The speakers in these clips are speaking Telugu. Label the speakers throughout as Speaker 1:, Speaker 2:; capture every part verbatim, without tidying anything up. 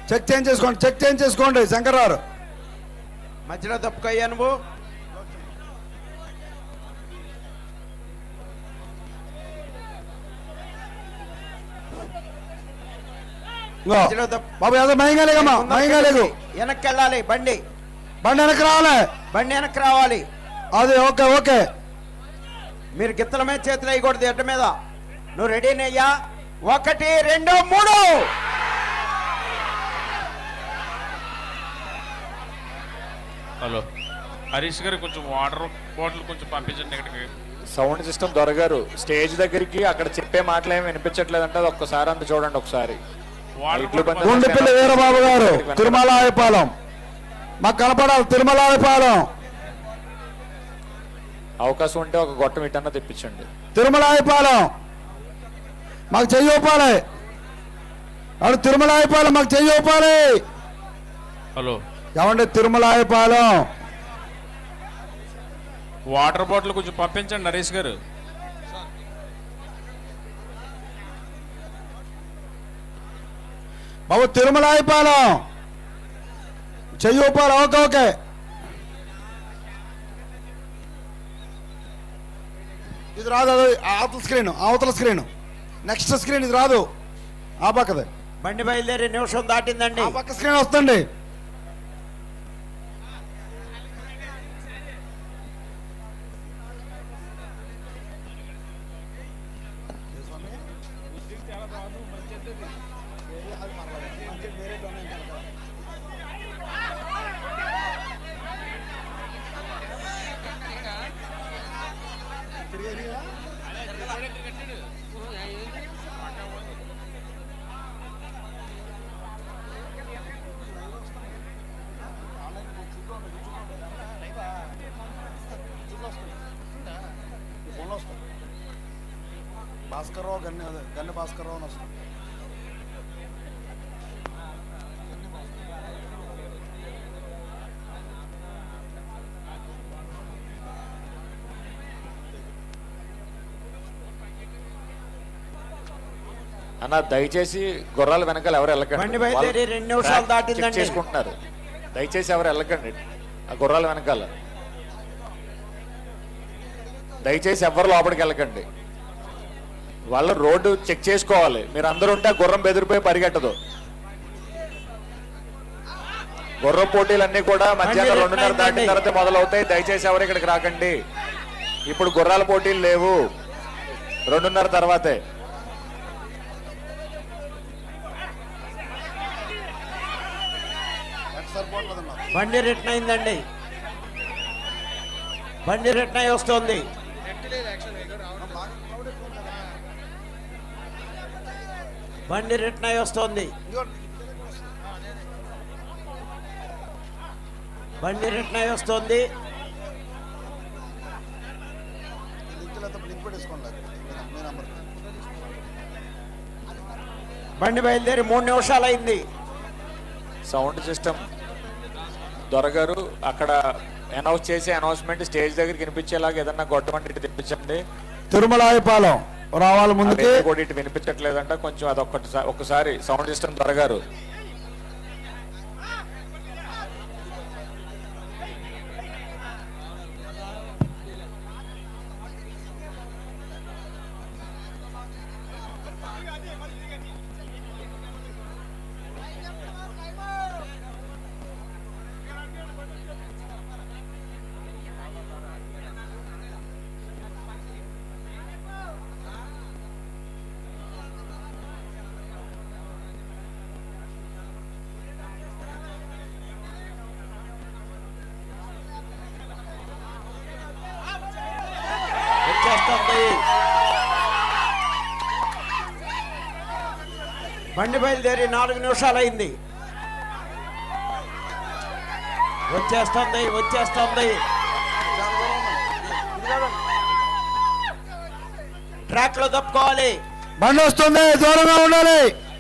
Speaker 1: చెక్ చేంజ్ చేసుకోండి, చెక్ చేంజ్ చేసుకోండి. శంకర్రావు
Speaker 2: మధ్యలో తప్పుకయ్యా నువ్వు.
Speaker 1: బాబు ఏదో మయంగా లేకమ్మా, మయంగా లేదు.
Speaker 2: వెనక్కి వెళ్ళాలి, బండి
Speaker 1: బండి వెనక్కి రావాలి,
Speaker 2: బండి వెనక్కి రావాలి.
Speaker 1: అది ఓకే ఓకే.
Speaker 2: మీరు గిత్తల మీద చేతులు వేయకూడదు, ఎడ్డ మీద. నువ్వు రెడీనయ్యా? ఒకటి రెండు మూడు.
Speaker 3: హలో హరీష్ గారు, కొంచెం వాటర్ బాటిల్ కొంచెం పంపించండి ఇక్కడికి.
Speaker 4: సౌండ్ సిస్టమ్ దొరగారు స్టేజ్ దగ్గరికి అక్కడ చెప్పే మాటలు ఏమి వినిపించట్లేదంటే అది ఒక్కసారి అంత చూడండి ఒకసారి.
Speaker 1: గుండెపల్లి వీరబాబు గారు తిరుమలాయపాలెం, మాకు కనపడాలి తిరుమలాయపాలెం.
Speaker 4: అవకాశం ఉంటే ఒక గొట్టం ఇటన్నా తెప్పించండి.
Speaker 1: తిరుమలాయపాలెం మాకు చెయ్యొప్పాలి, అడు తిరుమలాయపాలెం మాకు చెయ్యొప్పాలి.
Speaker 3: హలో
Speaker 1: ఏమండి తిరుమలాయపాలెం
Speaker 3: వాటర్ బాటిల్ కొంచెం పంపించండి నరేష్ గారు.
Speaker 1: బాబు తిరుమలాయపాలెం చెయ్యొప్పాలి. Okay okay. ఇది రాదు, అది అవతల స్క్రీన్, అవతల స్క్రీన్, నెక్స్ట్ స్క్రీన్ ఇది రాదు, ఆ పక్కదే.
Speaker 2: బండి బయలుదేరి నిమిషం దాటిందండి.
Speaker 1: ఆ పక్క స్క్రీన్ వస్తుంది. భాస్కర్రావు గన్ని గన్ని భాస్కర్రావు అని వస్తుంది.
Speaker 4: అన్న దయచేసి గుర్రాల వెనకాల ఎవరు
Speaker 2: బండి బయలుదేరి రెండు నిమిషాలు దాటిందండి.
Speaker 4: చేసుకుంటున్నారు, దయచేసి ఎవరు వెళ్ళకండి ఆ గుర్రాల వెనకాల. దయచేసి ఎవరు లోపలికి వెళ్ళకండి, వాళ్ళు రోడ్డు చెక్ చేసుకోవాలి. మీరు అందరూ ఉంటే గుర్రం బెదిరిపోయి పరిగెట్టదు. గుర్రం పోటీలన్నీ కూడా మధ్యాహ్నం రెండున్నర దాటిన తర్వాత మొదలవుతాయి. దయచేసి ఎవరు ఇక్కడికి రాకండి. ఇప్పుడు గుర్రాల పోటీలు లేవు, రెండున్నర తర్వాతే.
Speaker 2: బండి రిటర్న్ అయిందండి, బండి రిటర్న్ అయి వస్తుంది. బండి రిటర్న్ అయి వస్తుంది, బండి రిటర్న్ అయి వస్తుంది. బండి బయలుదేరి మూడు నిమిషాలు అయింది.
Speaker 4: సౌండ్ సిస్టమ్ దొరగారు అక్కడ అనౌన్స్ చేసే అనౌన్స్మెంట్ స్టేజ్ దగ్గరికి వినిపించేలాగా ఏదన్నా గొట్టమంటే ఇటు తెప్పించండి.
Speaker 1: తిరుమలాయపాలెం రావాలి ముందుకి
Speaker 4: కూడా ఇటు వినిపించట్లేదంట, కొంచెం అదొక్కటి ఒకసారి సౌండ్ సిస్టమ్ దొరగారు.
Speaker 2: బండి బయలుదేరి నాలుగు నిమిషాలు అయింది. వచ్చేస్తుంది వచ్చేస్తుంది ట్రాక్ లో తప్పుకోవాలి.
Speaker 1: బండి వస్తుంది, దూరంగా ఉండాలి.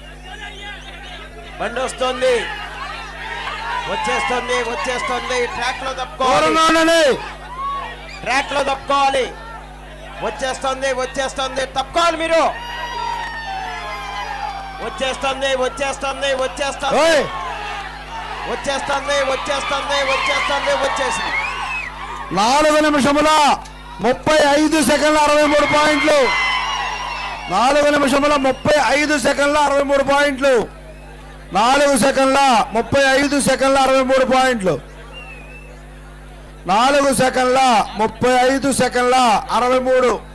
Speaker 2: బండి వస్తుంది, వచ్చేస్తుంది వచ్చేస్తుంది ట్రాక్ లో తప్పుకోవాలి, ట్రాక్ లో తప్పుకోవాలి. వచ్చేస్తుంది వచ్చేస్తుంది తప్పుకోవాలి. మీరు వచ్చేస్తుంది వచ్చేస్తుంది వచ్చేస్తుంది
Speaker 1: ఓయ్
Speaker 2: వచ్చేస్తుంది వచ్చేస్తుంది వచ్చేస్తుంది వచ్చేసింది
Speaker 1: నాలుగు నిమిషముల ముప్పై ఐదు సెకండ్ల అరవై మూడు పాయింట్లు నాలుగు నిమిషముల ముప్పై ఐదు సెకండ్ల అరవై మూడు పాయింట్లు నాలుగు సెకండ్ల ముప్పై ఐదు సెకండ్ల అరవై మూడు పాయింట్లు నాలుగు సెకండ్ల ముప్పై ఐదు సెకండ్ల అరవై మూడు